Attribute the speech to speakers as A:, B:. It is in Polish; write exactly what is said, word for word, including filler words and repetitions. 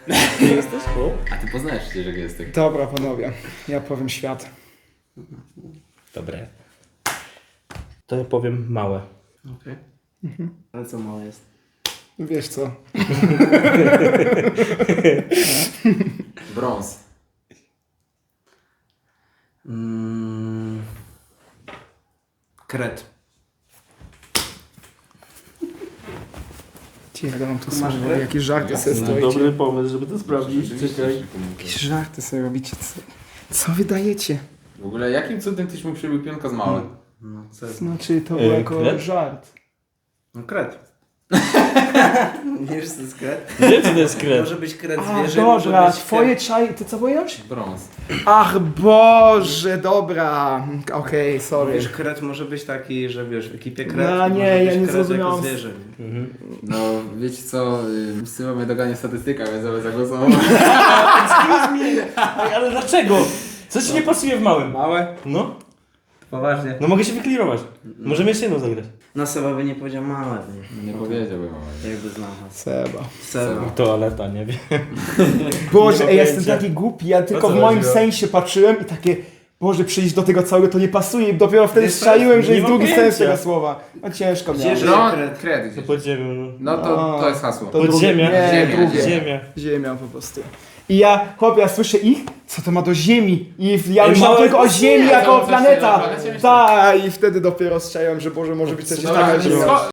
A: Ty jesteś? O.
B: A ty poznajesz przecież gestek.
C: Dobra, panowie, ja powiem świat.
A: Dobre. To ja powiem małe.
D: Okej. Okay. Ale co małe jest?
C: Wiesz co?
B: Brąz.
D: Mm. Kret.
C: Cicho, ja mam tu
D: Tu masz
C: słowo,
D: grę?
C: jakieś żarty sobie
A: No,
C: stoicie.
A: dobry pomysł, żeby to sprawdzić. Czekaj.
C: Jakieś żarty sobie robicie. Co, co wy dajecie?
B: W ogóle jakim cudem tyś mu przybył pionka z małym?
D: No, co jest?
C: Znaczy to
A: E,
C: było jako
A: kret?
C: żart.
D: No kret. Nie wiesz co to jest kret?
A: Gdzie to jest kret?
D: Może być kret
C: A,
D: zwierzę, może
C: dobra,
D: być
C: twoje
D: kret...
C: czaj... Ty co pojąłeś?
B: Brąz.
C: Ach Boże, dobra. Okej, okay, sorry.
D: Wiesz, kret może być taki, że wiesz, w ekipie kret
C: No, nie,
D: może
C: ja
D: być
C: nie
D: kret jako
C: zrozumiałam.
D: zwierzę. Nie?
A: Mhm.
B: No, wiecie co, y, Syła mnie dogania statystyka, więc ja zagłosował.
A: Ej, ale dlaczego? Co ci nie pasuje w małym?
D: Małe?
A: No,
D: Poważnie.
A: no mogę się wyklirować. Możemy jeszcze jedną zagrać.
D: No Seba by nie powiedział małe. Nie,
B: Nie powiedziałbym małego.
D: jakby znał was.
C: Seba.
D: Seba.
A: Toaleta, nie wiem.
C: Boże,
A: Nie
C: ej,
A: ma
C: jestem
A: pojęcia.
C: taki głupi, ja tylko
A: co
C: w moim
A: chodziło?
C: sensie patrzyłem i takie... Boże, przyjść do tego całego to nie pasuje i dopiero wtedy
D: Wiesz co?
C: strzeliłem, że
A: Nie
C: jest
A: ma
C: drugi
A: pojęcia.
C: sens tego słowa. No ciężko miałem.
D: Gdzie
B: No,
D: kret?
B: kret
A: To
B: gdzieś.
A: podziemie. No.
B: No to,
C: A,
B: to jest hasło.
C: to-
A: Podziemia.
C: Nie,
B: Ziemia,
C: drugie.
A: Ziemia.
C: Ziemia po prostu. I ja, chłopie, ja słyszę ich, co to ma do Ziemi? I ja
A: Ej,
C: myślałem
A: małe
C: tylko o Ziemi
B: pasuje,
C: jako
B: to
C: o
B: coś
C: planeta.
B: na planecie myślę.
C: Tak, i wtedy dopiero strzeliłem, że Boże, może być coś
A: Co
C: takiego.
B: Dobra,
A: tak
C: że-
A: było?
B: sko-